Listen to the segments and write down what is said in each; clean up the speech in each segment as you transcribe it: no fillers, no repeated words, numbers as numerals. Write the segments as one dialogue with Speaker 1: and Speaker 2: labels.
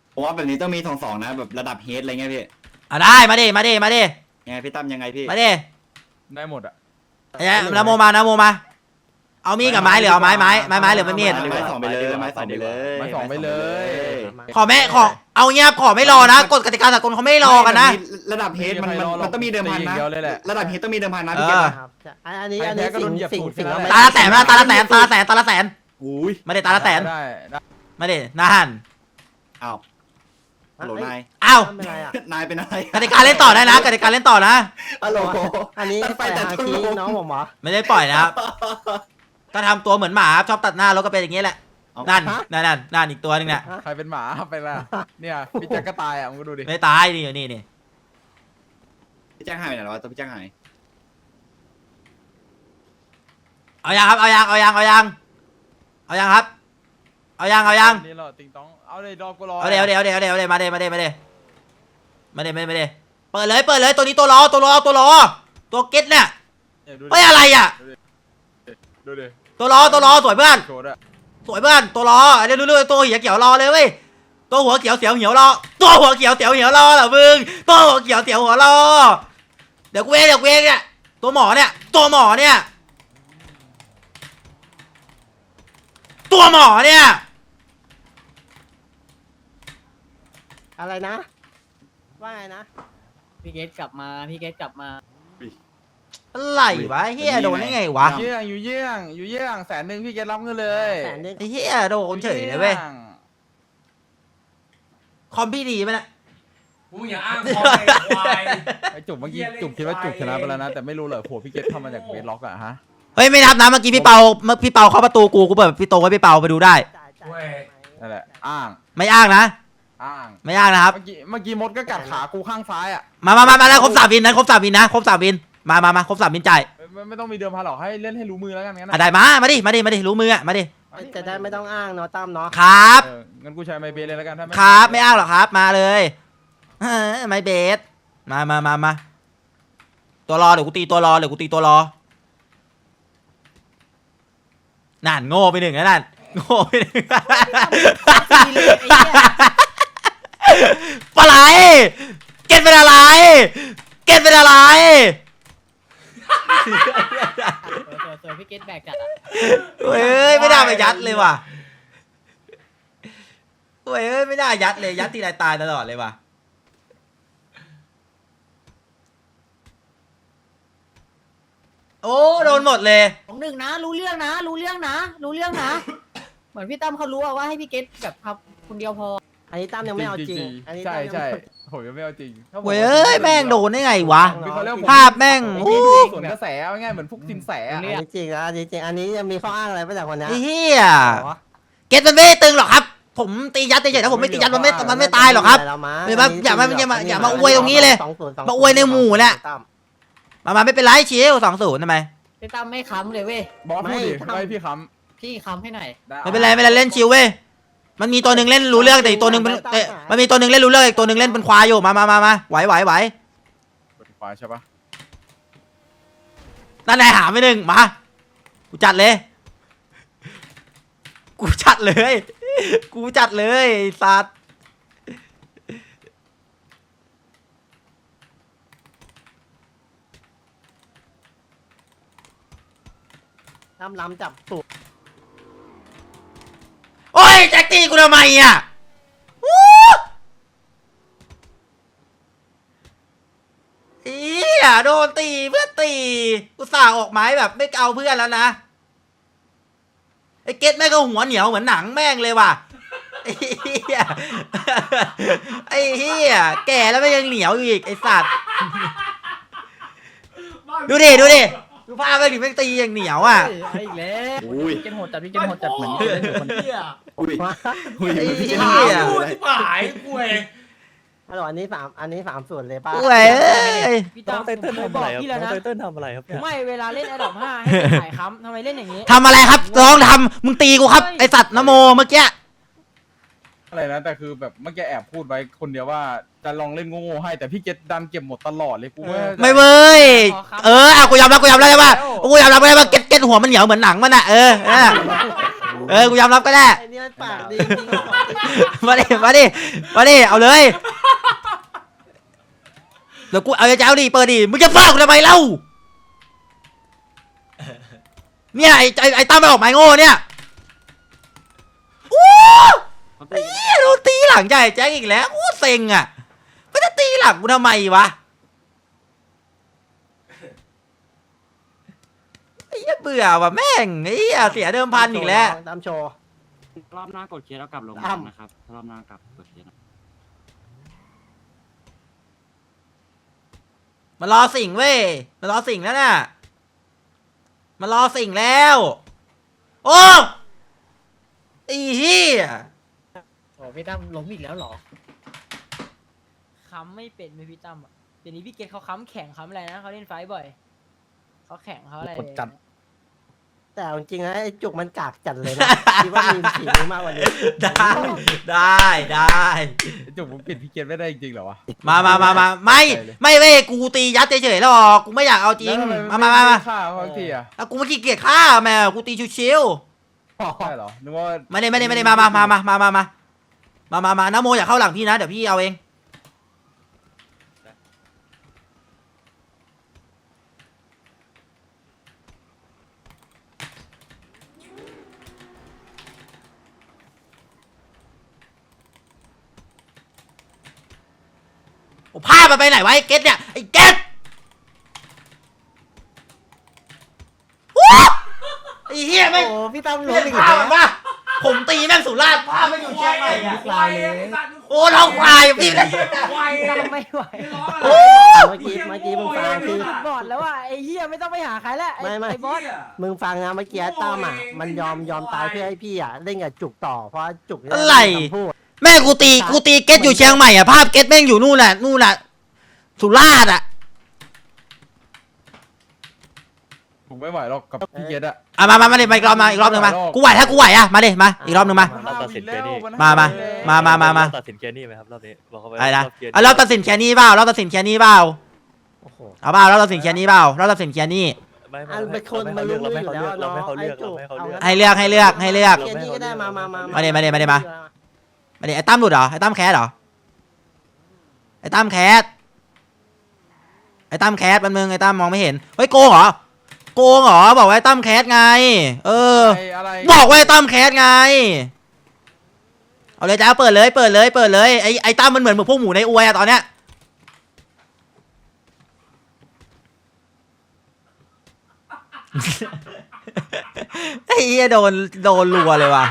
Speaker 1: ผมว่าแบบนี้ต้องมี2-2นะแบบระดับเฮดอะไรเงี้ยพี่
Speaker 2: ได้มาดิ
Speaker 1: ยังไงพี่ตั้มยังไงพี่
Speaker 2: มาดิ
Speaker 3: ได้หมดอ่ะ
Speaker 2: นะโมมาเอามีดกับไม้หรือเอาไม้หรือไม่มีด
Speaker 1: ไม้2ไปเลยไม้2ไปเลย
Speaker 2: ขอเอาเงียบขอไม่รอนะกฎกติกาสากลเขาไม่รอกันนะ
Speaker 1: ระดับเฮดมันต้องมีเดิมพันนะระดับเฮดต้องมีเดิมพันนะพี่เกศ
Speaker 4: อันนี้สิ่ง
Speaker 2: ตาละแสนตาละแสน
Speaker 1: อุ้ย
Speaker 2: ไม่ได้ตาละแสน
Speaker 3: ได้
Speaker 2: ไม่ได้นั่น
Speaker 1: อ้าวฮัลโหลนาย
Speaker 2: อ้าวน
Speaker 1: ายเป็นอะไร
Speaker 2: กติกาเล่นต่อได้นะกติกาเล่นต่อนะ
Speaker 1: ฮัลโหล
Speaker 4: อันนี้ไปแต่ทีน้องผมเหรอ
Speaker 2: ไม่ได้ปล่อยนะครับก็ทำตัวเหมือนหมาชอบตัดหน้ารถก็เป็นอย่างนี้แหละนั่นอีกตัวนึงเนี่ย
Speaker 3: ใครเป็นหมาไปละเนี่ยพี่แจ็คก็ตายอ่ะมึงก็ดูดิ
Speaker 2: ไม่ตายนี่
Speaker 1: พี่แจ้งหายไปไหนแล้ววะตัวพี่แจ้งหาย
Speaker 2: เอายังครับเอายังครับเอายัง
Speaker 3: นี่เราติงต้องเอาเลยดอกกูรอ
Speaker 2: เอาเดี๋ยวมาเดเปิดเลยตัวนี้ตัวรอตัวเก็ตเนี่ยเฮ้ยอะไรอ่ะ
Speaker 3: ดูดิ
Speaker 2: ตัวรอสวยเพื่อนตัวรอเดี๋ยวดูตัวหัวเขียวรอเลยเว้ยตัวหัวเขียวเสียวเหี่ยวรอตัวหัวเขียวเสียวเหี่ยวรอเหรอมึงตัวหัวเขียวเสียวหัวรอเดี๋ยวเวเนี่ยตัวหมอเนี่ยตัวหมอเนี่ย
Speaker 4: อะไรนะว่าไงนะ
Speaker 5: พี่เกตกลับมา
Speaker 2: อะไรวะเฮียโดนได้ไงวะ
Speaker 3: อยู่เยี่ยง100,000พี่เกตรับเงินเลย
Speaker 2: ไอ้เฮียโดนเฉยเลยเว้ยคอมพี่ดีไหมนะ
Speaker 6: มึงอย่าอ้างคอมไอ้ควาย
Speaker 3: ไอ้จุกเมื่อกี้จุกคิดว่าจุกชนะไปแล้วนะแต่ไม่รู้เลยผัวพี่เกตทำมาจากเวทล็อกอะฮะ
Speaker 2: เฮ้ยไม่นับนะเมื่อกี้พี่เปาเข้าประตูกูเปิดพี่โตไว้พี่เปาไปดูได้
Speaker 3: นั่นแหละอ้าง
Speaker 2: ไม่อ้างนะ
Speaker 3: ไม่อ้าง
Speaker 2: นะครับ
Speaker 3: เมื่อกี้มดก็กัดขากูข้างซ้ายอะ
Speaker 2: มาแล้วครบ3 วินนะครบ3 วินครบ3 วินมาครบ3 วินจ่าย
Speaker 3: ไม่ต้องมีเดิมพันหรอกให้เล่นให้รู้มือแล้วกันงั้น
Speaker 2: ได้มาดิรู้มือมาดิ
Speaker 4: จะได้ไม่ต้องอ้างเนาะตั้มเนาะ
Speaker 2: ครับ
Speaker 3: งั้นกูใช้ไมเบสเลยแล้วกันถ้า
Speaker 2: ครับไม่อ้างหรอกครับมาเลยไมเบสมาตัวรอเดี๋ยวกูตีตัวรอนั่นโง่ไป1แล้วนั่นโง่ไป1ปลาไหลเก็ตเป็นอะไร
Speaker 5: พี่เกตแบกจัดอ่ะ
Speaker 2: เฮ้ยไม่ได้ไปยัดเลยว่ะเฮ้ยไม่ได้ยัดเลยยัดทีไรตายตลอดเลยว่ะโอ้โดนหมดเลย
Speaker 5: 1นะรู้เรื่องนะเหมือนพี่ตั้มเขารู้ว่าให้พี่เกตแบบทำคนเดียวพอ
Speaker 4: อันนี้ตั้มยังไม่เอาจริง
Speaker 3: ใช่ผมยังไม่เอาจริง
Speaker 2: เว้ยแม่งโดนได้ไงวะภาพแม่ง
Speaker 3: ส่วนกระแสง่ายเหมือนพวกสินแส
Speaker 4: อันนี้จริงอันนี้ยังมีข้ออ้างอะไรมาจากคนนี้
Speaker 2: เฮียเกตมันไม่ตึงหรอกครับผมตียัดเฉยๆนะผมไม่ตียัดมันไม่ตายหรอกครับอย่ามาอวยตรงนี้เลยมาอวยในหมู่แหละมาไม่เป็นไรเชียว2-0ทำไม
Speaker 5: พี่ตั้มไม่ค้ำเลยเว้ย
Speaker 3: บอสพูดดิไม่พี่
Speaker 5: ค้ำให้หน่อย
Speaker 2: ไม่เป็นไรเล่นชิวเว้ยมันมีตัวหนึ่งเล่นรู้เรื่องแต่อีกตัวหนึ่งมันมีตัวหนึ่งเล่นรู้เรื่องอีกตัวหนึ่งเล่นเป็นควายอยู่มาไหว
Speaker 3: เป็นควายใช่ปะ
Speaker 2: นั่นนายหาไม่1มากูจัดเลยสัตว์
Speaker 4: ล้ำจับสุด
Speaker 2: โอ้ยแจ็คตีกูทำไมอ่ะโดนตีเพื่อนตีกูสั่งออกไม้แบบไม่เอาเพื่อนแล้วนะไอ้เก็ตแม่งก็หัวเหนียวเหมือนหนังแม่งเลยว่ะไอ้เหี้ยแก่แล้วไม่ยังเหนียวอยู่อีกไอ้สัตว์ดูดิดูภาพไปดิแม่งตีอย่างเหนียวอ่ะ
Speaker 5: อีกแล้วพี่เกตโหดจัดเหมือนเล่นอยู่คนเดียว
Speaker 2: ไอ้เหี้ย
Speaker 6: ที่หายกูเอง
Speaker 4: ฮัลโหลอันนี้3 ส่วนเลยป่ะ
Speaker 5: พี่ตั้มบอกพี่แล้วนะ
Speaker 4: ทำอะไรครับ
Speaker 5: ไม่เวลาเล่นAdopt 5ให้ถ่ายค้ำทำไมเล่นอย่างนี้
Speaker 2: ทำอะไรครับลองทำมึงตีกูครับไอสัตว์นโมเมื่อกี้
Speaker 3: อะไรนะแต่คือแบบเมื่อกี้แอบพูดไว้คนเดียวว่าจะลองเล่นโง่ๆให้แต่พี่เกตดันเก็บหมดตลอดเลยกู
Speaker 2: ไม่เว้ยกูยอมรับใช่ป่ะกูยอมรับได้ว่าเก็ตหัวมันเหนียวเหมือนหนังมันอ่ะกูยอมรับก็ได้
Speaker 4: ไอ้นี่มันปากดีจริง
Speaker 2: มาดิเอาเลยเดี๋ยวกูเอาเจ้าดิเปิดดิมึงจะฟ้ากูทำไมเล่าเนี่ยไอ้ตั้มไปออกไม้โง่เนี่ยโอ้ยโดนตีหลังใหญ่แจ็คอีกแล้วโอ้เซ็งอ่ะก็จะตีหลังกูทำไมวะไอ้เหี้ยเบื่อว่ะแม่งไอ้เหี้ยเสียเดิมพันอีกแล้ว
Speaker 4: ตามโชว์
Speaker 7: รอบหน้ากดเคสแล้วกลับลงมานะครับรอบหน้ากลับกดเคส
Speaker 2: มันรอสิ่งเว้ยมันรอสิ่งแล้วน่ะมันรอสิ่งแล้วโอ้ไอ้เหี้ย
Speaker 5: โอ้พี่ตั้มล้มอีกแล้วเหรอค้ำไม่เป็นไหมพี่ตั้มอ่ะเดี๋ยวนี้พี่เกตเขาค้ำแข่งค้ำอะไรนะเขาเล่นไฟบ่อยเขาแข่งเขาอะไร
Speaker 3: กดจัด
Speaker 4: แต่เอาจริงนะไอ้จุกมันกากจัดเลยนะคิดว่ามีฝีมือมากกว่านี้
Speaker 2: ได้
Speaker 3: จุกผมปิดพี่เกตไม่ได้จริงๆเหรอวะ
Speaker 2: มาไม่เว้ยกูตียัดเฉยๆแล้วหรอกกูไม่อยากเอาจริงมา
Speaker 3: ฆ่าเขาทีอ่ะ
Speaker 2: แล้วกูไม่ขี้เกียจฆ่าแม่กูตีชิว
Speaker 3: ใช่เหรอนึกว่า
Speaker 2: ๆไม่ได้มานะโมอย่าเข้าหลังพี่นะเดี๋ยวพี่เอาเองโอ้พามันไปไหนวะไอ้เกตเนี่ยไอ้เกตไอ้เหี้ยแม่ง
Speaker 4: โอ้พี่ตั้มล้
Speaker 2: เล่
Speaker 4: ม
Speaker 2: น
Speaker 4: อีก
Speaker 2: พา
Speaker 4: แล้ว
Speaker 2: มันปะผมตีแม่งสุราษฎร์พาไม่อยู่เชียงใหม่อะ
Speaker 6: ควายเลย
Speaker 2: โอ้ท้องควายพี่เลย
Speaker 6: ควาย
Speaker 5: ตั้มไม่ไหว
Speaker 2: โอ้
Speaker 4: เมื่อกี้มึงฟังคือ
Speaker 5: บอดแล้วอ่ะไอ้เหี้ยไม่ต้องไปหาใครแล้วไอ้บอส
Speaker 4: มึงฟังนะเมื่อกี้ตั้มอ่ะมันยอมตายเพื่อให้พี่อ่ะเล่นกับจุกต่อเพราะจุก
Speaker 2: อะไร
Speaker 4: พูด
Speaker 2: แม่กูตีเกตอยู่เชียงใหม่อะภาพเกตแม่งอยู่นู่นน่ะสุราษฎร์อะ
Speaker 3: ผมไม่ไหวหรอกกับพี่เกตอะ
Speaker 2: มาดิมาอีกรอบหนึ่งมากูไหวถ้ากูไหวอะมาดิมาอีกรอบหนึ่งมา
Speaker 8: เราตัดสินแค่นี้
Speaker 2: มา
Speaker 8: ตัดสินแค่นี้ไหมครับรอบนี้บอกเขาไป
Speaker 2: อะไรนะ
Speaker 8: รอบเกียร์
Speaker 2: เอาเราตัดสินแค่นี้เปล่าเราตัดสินแค่นี้เปล่า
Speaker 4: โอ้โห
Speaker 2: เอาเปล่าเราตัดสินแค่นี้เปล่าเราตัดสินแค่นี้
Speaker 8: ไม่
Speaker 4: อันเป็นคนมารู้
Speaker 8: เรา
Speaker 4: อ
Speaker 8: ไม่
Speaker 4: ยู่
Speaker 8: เขา
Speaker 4: แล้ว
Speaker 8: เลือกเราไม่เขาเลือก
Speaker 4: จุ
Speaker 8: เราไม่เขาเลือก
Speaker 2: ให้เลือก
Speaker 4: เกมนี้ก็ได้มา
Speaker 2: มาดิไอ้ตั้มหลุดเหรอไอ้ตั้มแคสเหรอไอ้ตั้มแคสแป๊บนึงไอ้ตั้มมองไม่เห็นเฮ้ยโกงเหรอบอกว่าไอ้ตั้มแคสไง
Speaker 3: อะไร
Speaker 2: บอกว่าไอ้ตั้มแคสไงเอาเลยจ้าเปิดเลยไอ้ตั้มมันเหมือนพวกหมูในอวยอะตอนเนี้ยไอ้เหี้ยโดนรัวเลยว่ะ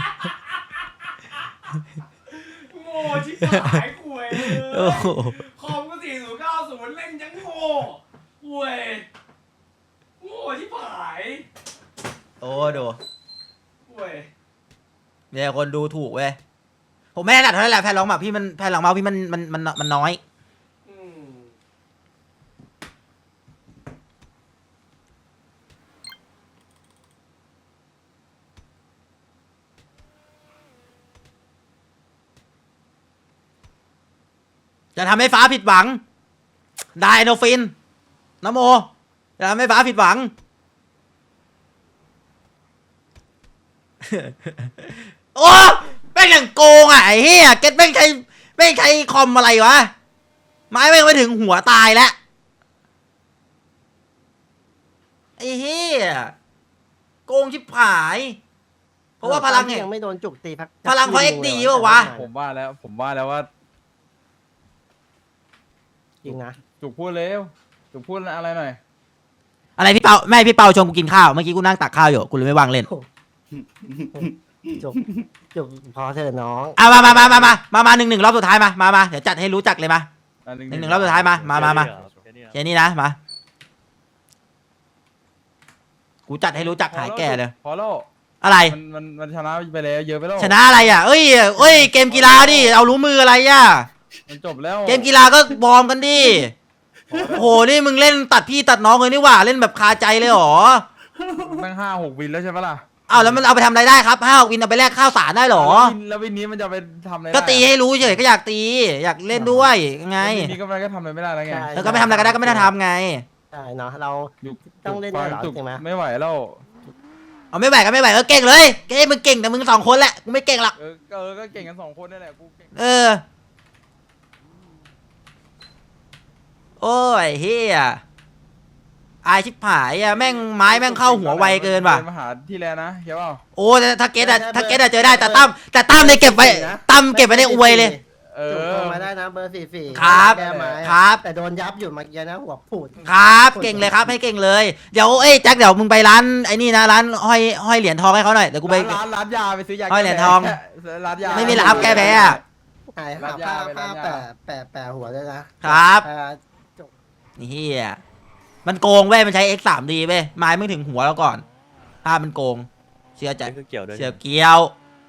Speaker 6: โง่ชิบหายคุย
Speaker 2: โอ้โห
Speaker 6: คอมก็4090เล่นยังโง่คุยโง่ชิบหาย
Speaker 2: โอ้ดู
Speaker 6: คุย
Speaker 2: เนี่ยคนดูถูกเว้ยผมไม่ได้ดัดเท่านั้นแหละแผ่นรองหมากพี่มันแผ่นรองเมาส์พี่มันน้อย
Speaker 6: อืม
Speaker 2: จะทำให้ฟ้าผิดหวังไดโนฟินนะโมจะทำให้ฟ้าผิดหวัง โอ้แม่งอย่างโกงอ่ะไอ้เหี้ยเก็ตแม่งใช้คอมอะไรวะไม้แม่งไปถึงหัวตายแล้วไอ้เหี้ยโกงชิบหาย เพราะว่าพลังไง
Speaker 4: ยังไม่โดนจุกตีพัก
Speaker 2: พลังเพราะ XD เปล่าวะ
Speaker 3: ผมว่าแล้วว่า
Speaker 4: จริงนะ
Speaker 3: จุกพูดเร็วจุกพูดอะไรหน่อย
Speaker 2: อะไรพี่เปาแม่พี่เปาชวนกูกินข้าวเมื่อกี้กูนั่งตักข้าวอยู่กูเลยไม่วางเล่น
Speaker 4: จุกพอเถอะน้อง
Speaker 2: มาหนึ่งรอบสุดท้ายมาเดี๋ยวจัดให้รู้จักเลยมา หนึ่งรอบสุดท้ายมาแค่นี้นะมากูจัดให้รู้จักหายแก่เลย
Speaker 3: พอแล้ว
Speaker 2: อะไร
Speaker 3: มันชนะไปแล้วเยอะไปแล้ว
Speaker 2: ชนะอะไรอ่ะเอ้ยเกมกีฬาดิเอารู้มืออะไรอ่ะ
Speaker 3: มันจบแล้ว
Speaker 2: เกมกีฬาก็วอร์มกันดิโหนี่มึงเล่นตัดพี่ตัดน้องเลยนี่หว่าเล่นแบบคาใจเลยหรอ
Speaker 3: ตั้ง5-6 วินแล้วใช่ปะล่ะ
Speaker 2: อ้าวแล้วมันเอาไปทำอะไรได้ครับ5 วินเอาไปแลกข้าวสารได้หรอ
Speaker 3: แล้ววินนี้มันจะไปทำอะไร
Speaker 2: ก็ตีให้รู้เฉยก็อยากตีอยากเล่นด้วยไง
Speaker 3: วินนี้ก็มันก็ทำอะไรไม่ได้แล้วไง
Speaker 2: แล้วก็ไม่ทำอะไรก็ได้ก็ไม่ได้ทำไง
Speaker 4: ใช่เนาะเรา
Speaker 3: อยู่
Speaker 4: ต้องเล่นด้วยเหรอ
Speaker 3: จุก
Speaker 4: จริงไหม
Speaker 3: ไม่ไหวแล้ว
Speaker 2: เอาไม่ไหวก็ไม่ไหวเก่งเลยเก่งมึงเก่งแต่มึง2 คนแหละกูไม่เก่งหรอก
Speaker 3: ก็เก่งกัน2 คนนี่แหละกูเก่ง
Speaker 2: โอ้ยเฮียอายชิบหายอะแม่งไม้แม่งเข้าหัวไวเกินว่ะ
Speaker 3: มาหาที่แล้วนะเห็นเปล่า
Speaker 2: โอ้ถ้าเกตอะเจอได้แต่ตั้มเนี่ยเก็บไว้ตั้มเก็บไว้ในอวยเลย
Speaker 4: จุกโทรมาได้นะเบอร์44
Speaker 2: ครับ
Speaker 4: แก้ไม้
Speaker 2: ครับ
Speaker 4: แต่โดนยับอยู่เมื่อกี้นะหัวผูด
Speaker 2: ครับเก่งเลยครับให้เก่งเลยเดี๋ยวแจ็คเดี๋ยวมึงไปร้านไอ้นี่นะร้านห้อยเหรียญทองให้เขาหน่อยเดี๋ยวกูไป
Speaker 3: ร้านยาไปซื้อยา
Speaker 2: ห้อยเหรียญทอง
Speaker 3: ร้านยา
Speaker 2: ไม่มีร้านแก้แพ้อะ
Speaker 4: หาย
Speaker 3: รั
Speaker 4: หา
Speaker 3: ดยา
Speaker 4: ผ้า
Speaker 3: ไป
Speaker 4: ผ้า
Speaker 3: รัดยา
Speaker 4: แปะหัวด้วยนะครับ จุก
Speaker 2: นี่เฮียมันโกงเว้ยมันใช้ X3D เว้ยไม้มึงถึงหัวแล้วก่อนภาพมันโกงเชื่อใจ
Speaker 8: นี่คือเกี่ยวด้วย
Speaker 2: เชื่อเกี้ยว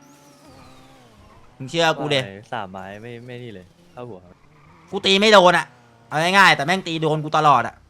Speaker 2: มึงเชื่อกูเด
Speaker 8: 3 ไม้ไม่นี่เลยเข้าหัวครับ
Speaker 2: กูตีไม่โดนอะเอาง่ายๆแต่แม่งตีโดนกูตลอดอะ